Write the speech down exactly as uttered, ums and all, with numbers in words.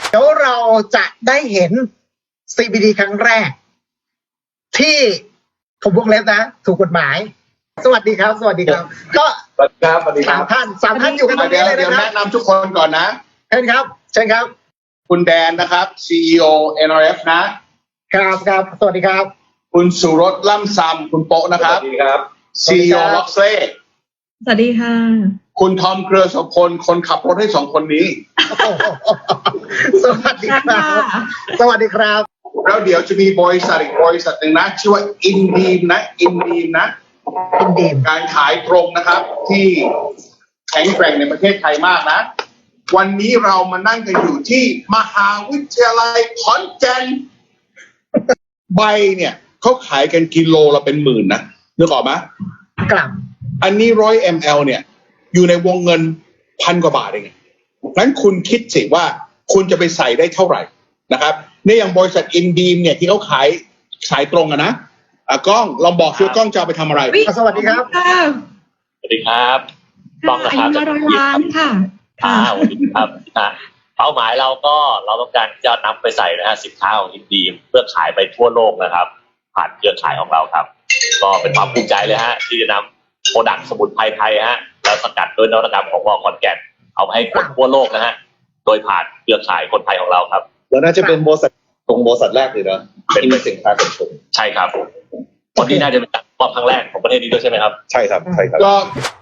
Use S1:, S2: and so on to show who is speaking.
S1: เดี๋ยวเราจะได้เห็น ซี บี ดี ครั้งแรก ที่ผมวงเล็บนะถูกกฎหมายสวัสดีครับสวัสดีครับก็
S2: สวัสดีครับสวัสดีค
S1: สา
S2: รั
S1: ม
S2: บ
S1: ท่านสามท่านอยู่กันตรง
S2: เดี๋
S1: นี้
S2: ยว
S1: เลย
S2: เดี๋ยว
S1: นะครับ
S2: แนะนำทุกคนก่อนนะ
S1: เชิญครับเชิญครับ
S2: คุณแดนนะครับ ซี อี โอ เอ็น อาร์ เอฟ นะครับ
S1: ครับสวัสดีครับ
S2: คุณสุรสล่ำซำคุณโป๊ะนะครับ
S3: สวัสดีครับ
S2: ซี อี โอ ล็อกเซ่
S4: สวัสดีค่ะ
S2: คุณทอมเครือโสพลคนขับรถให้สองคนนี้
S1: สวัสดีครับสวัสดีครับ
S2: แล้วเดี๋ยวจะมีบริษัทอีกบริษัทหนึ่งนะชื่อว่าอินดีมนะอินดีมนะ
S1: อินดีม
S2: การขายตรงนะครับ ที่แข็งแกร่งในประเทศไทยมากนะ วันนี้เรามานั่งกันอยู่ที่มหาวิทยาลัยขอนแก่นใบเนี่ยเขาขายกันกิโลละเป็นหมื่นนะนึกออกไหม
S1: กลับ
S2: อันนี้ร้อยมลเนี่ยอยู่ในวงเงินพันกว่าบาทเองงั้นคุณคิดสิว่าคุณจะไปใส่ได้เท่าไหร่นะครับในอย่างบริษัทอินดีมเนี่ยที่เขาขายขายตรงอะนะอ่ะกล้องลองบอกซิว่ากล้องจะเอาไปทำอะไร
S1: สวัสดีครับ
S4: ค่ะ
S3: สวัสดีครับต้องนะ
S4: อา
S3: ครับ
S4: ยุมาร้อยล้านค่ะ
S3: อ่าสวัสดีครับอ่าเป้าหมายเราก็เราต้องการจะนำไปใส่นะฮะสินค้าของอินดีมเพื่อขายไปทั่วโลกนะครับ ผ่านเครือข่ายของเราครับ ก็เป็นความภูมิใจเลยฮะที่จะนำโปรดักต์สมุนไพรไทยฮะแล้วสกัดโดยนวัตกรรมของมอขอนแก่นเอาไปให้คนทั่วโลกนะฮะโดยผ่านเครือข่ายคนไทยของเราครับ
S5: แล้วน่าจะเป็นบริษัทตรงบริษัทแรกเลยนะเป็นเป็นสินค้าขนส่ง
S3: ใช่ครับวันนี้น่าจะเป็นการมอบครั้งแรกของประเทศนี้ด้วยใช่ไหมครับ
S5: ใช่ครับใช่ครับ
S2: ก็